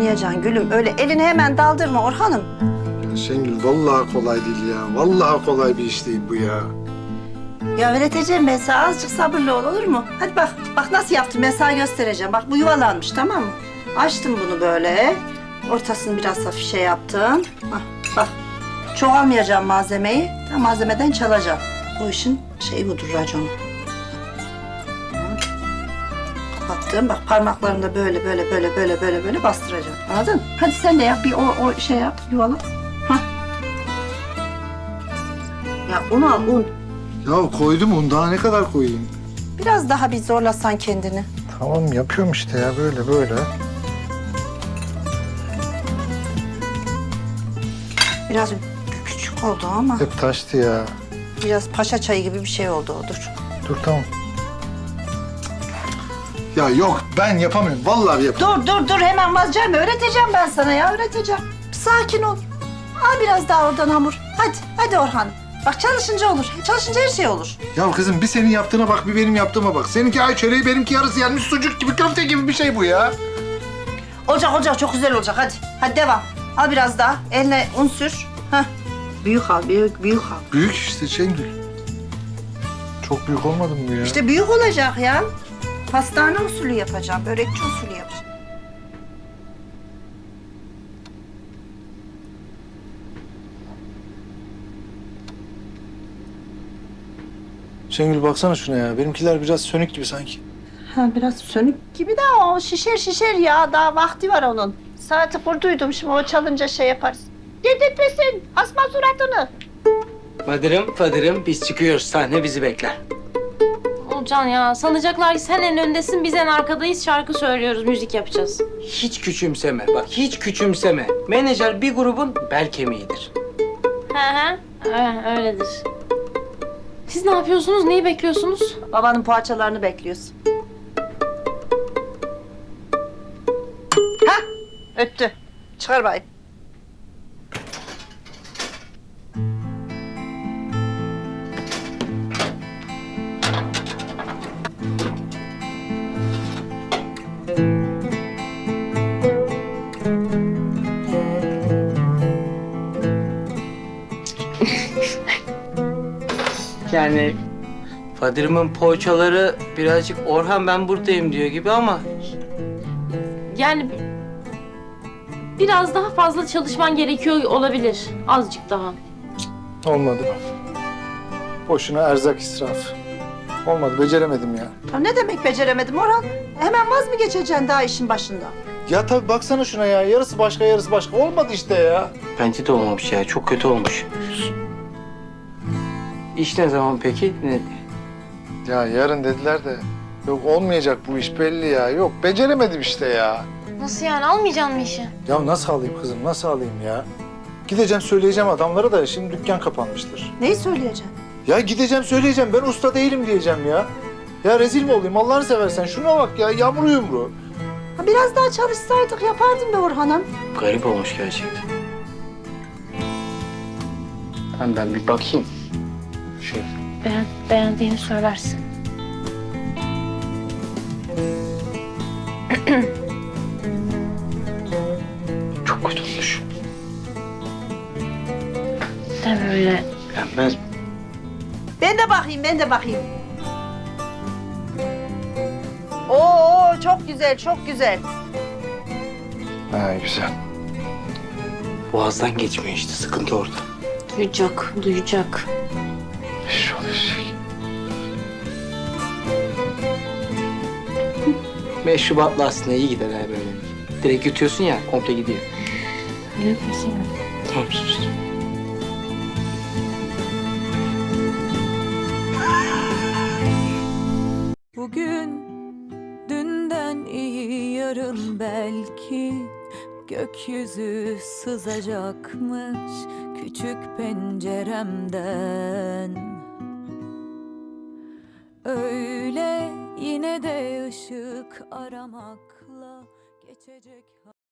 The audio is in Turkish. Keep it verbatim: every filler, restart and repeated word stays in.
oynayacaksın gülüm. Öyle elini hemen daldırma Orhan'ım. Ya Şengül vallahi kolay değil ya. Vallahi kolay bir iş değil bu ya. Ya öğreteceğim ben sana. Azıcık sabırlı ol, olur mu? Hadi bak, bak nasıl yaptım ben sana göstereceğim. Bak bu yuvalanmış, tamam mı? Açtım bunu böyle. Ortasını biraz hafif şey yaptım. Hah, bak. Çok almayacağım malzemeyi. Tam malzemeden çalacağım. Bu işin şeyi budur, raconu. Kapattım. Bak parmaklarımda böyle böyle böyle böyle böyle böyle bastıracağım. Anladın? Hadi sen de yap. Bir o, o şey yap. Yuvala. Hah. Ya un al un. Ya koydum un, daha ne kadar koyayım? Biraz daha bir zorlasan kendini. Tamam yapıyorum işte ya, böyle böyle. Biraz küçük oldu ama Hep taştı ya. biraz paşa çayı gibi bir şey oldu o. Dur. Dur tamam. Ya yok, ben yapamıyorum. Vallahi yapamıyorum. Dur dur dur hemen vazgeçme. Öğreteceğim ben sana ya, öğreteceğim. Sakin ol. Al biraz daha oradan hamur. Hadi hadi Orhan. Bak çalışınca olur. Çalışınca her şey olur. Ya kızım bir senin yaptığına bak, bir benim yaptığıma bak. Seninki ay çöreği, benimki yarısı yanmış sucuk gibi, köfte gibi bir şey bu ya. Olacak olacak, çok güzel olacak. Hadi hadi devam. Al biraz daha. Eline un sür. Hah. Büyük al, büyük büyük al. Büyük işte Şengül. Çok büyük olmadı mı bu ya? İşte büyük olacak ya. Pastane usulü yapacağım, börekçi usulü yapacağım. Şengül baksana şuna ya. Benimkiler biraz sönük gibi sanki. Ha, biraz sönük gibi de o şişer şişer ya. Daha vakti var onun. Saati kurduydum, şimdi o çalınca şey yaparız. Dedirtmesin, asma suratını. Fadırım, Fadırım biz çıkıyoruz. Sahne bizi bekler. Olcan ya, sanacaklar ki sen en öndesin, biz en arkadayız. Şarkı söylüyoruz, müzik yapacağız. Hiç küçümseme bak, hiç küçümseme. Menajer bir grubun bel kemiğidir. He he, he, öyledir. Siz ne yapıyorsunuz, neyi bekliyorsunuz? Babanın poğaçalarını bekliyoruz. Ha, öttü. Çıkar bayım. Yani Fadırım'ın poğaçaları birazcık Orhan ben buradayım diyor gibi ama... Yani biraz daha fazla çalışman gerekiyor olabilir, azıcık daha. Olmadı. Boşuna erzak israfı. Olmadı, beceremedim ya. Ya ne demek beceremedim Orhan? Hemen vaz mı geçeceksin daha işin başında? Ya tabii baksana şuna ya. Yarısı başka, yarısı başka. Olmadı işte ya. Bence de olmamış ya, çok kötü olmuş. İş ne zaman peki? Ne? Ya yarın dediler de. Yok olmayacak bu iş belli ya. Yok beceremedim işte ya. Nasıl yani, almayacaksın mı işi? Ya nasıl alayım kızım, nasıl alayım ya? Gideceğim söyleyeceğim adamlara da şimdi dükkan kapanmıştır. Neyi söyleyeceksin? Ya gideceğim söyleyeceğim, ben usta değilim diyeceğim ya. Ya rezil mi olayım Allah'ını seversen? Şuna bak ya, yamru yumru. Ha, biraz daha çalışsaydık yapardım be Orhan'ım. Garip olmuş gerçekten. Ben, ben bir bakayım. Şey. Beğen, beğendiğini söylersin. Çok kötü olmuş. Deme öyle. Beğenmez mi? Ben de bakayım, ben de bakayım. Oo, çok güzel, çok güzel. Ha güzel. Boğazdan geçmiyor işte, sıkıntı orada. Duyacak, duyacak. İş olacak. Meşrubatla aslında iyi gider ha böyle. Direkt yutuyorsun ya, komple gidiyor. Ne yapıyorsun? Tamam sus. Bugün dünden iyi, yarın belki gökyüzü sızacakmış küçük penceremden. Öyle yine de ışık aramakla geçecek.